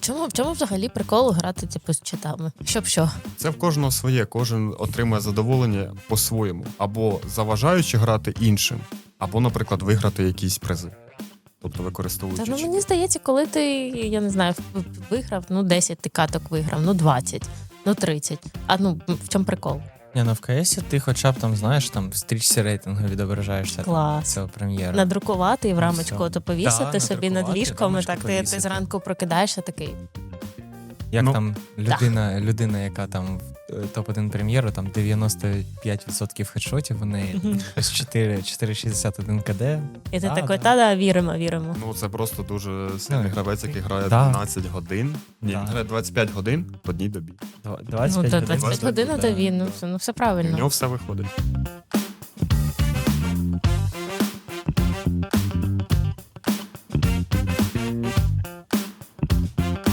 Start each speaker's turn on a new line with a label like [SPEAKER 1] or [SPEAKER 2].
[SPEAKER 1] В чому взагалі прикол грати типу, з читами? Щоб що?
[SPEAKER 2] Це в кожного своє, кожен отримує задоволення по-своєму. Або заважаючи грати іншим, або, наприклад, виграти якісь призи. Тобто використовуючи.
[SPEAKER 1] Та, мені здається, коли ти, я не знаю, виграв, 10 ти каток виграв, 20, 30. А в чому прикол?
[SPEAKER 3] В КСі ти хоча б там, знаєш, там в стрічці рейтингу відображаєшся
[SPEAKER 1] Клас.
[SPEAKER 3] цього прем'єра.
[SPEAKER 1] Надрукувати і в рамочку
[SPEAKER 3] все.
[SPEAKER 1] то повісити
[SPEAKER 3] Да,
[SPEAKER 1] собі над
[SPEAKER 3] надрукувати,
[SPEAKER 1] ліжком, і
[SPEAKER 3] рамочку
[SPEAKER 1] так ти
[SPEAKER 3] повісити.
[SPEAKER 1] зранку прокидаєшся такий.
[SPEAKER 3] Як
[SPEAKER 2] Ну,
[SPEAKER 3] там людина, яка там в топ-1 прем'єру, там 95% хедшотів у неї, ось 4,61 КД.
[SPEAKER 1] І ти
[SPEAKER 3] Да,
[SPEAKER 1] такий,
[SPEAKER 3] да.
[SPEAKER 1] та-да, віримо.
[SPEAKER 2] Ну, це просто дуже сильний
[SPEAKER 3] Ну,
[SPEAKER 2] гравець, який грає
[SPEAKER 3] да.
[SPEAKER 2] 12 годин. Ні,
[SPEAKER 3] Да.
[SPEAKER 2] він грає 25 годин в одній добі.
[SPEAKER 3] 25
[SPEAKER 1] то
[SPEAKER 3] годин.
[SPEAKER 1] 25 годин, то він, все
[SPEAKER 2] І в
[SPEAKER 1] правильно.
[SPEAKER 2] нього все виходить.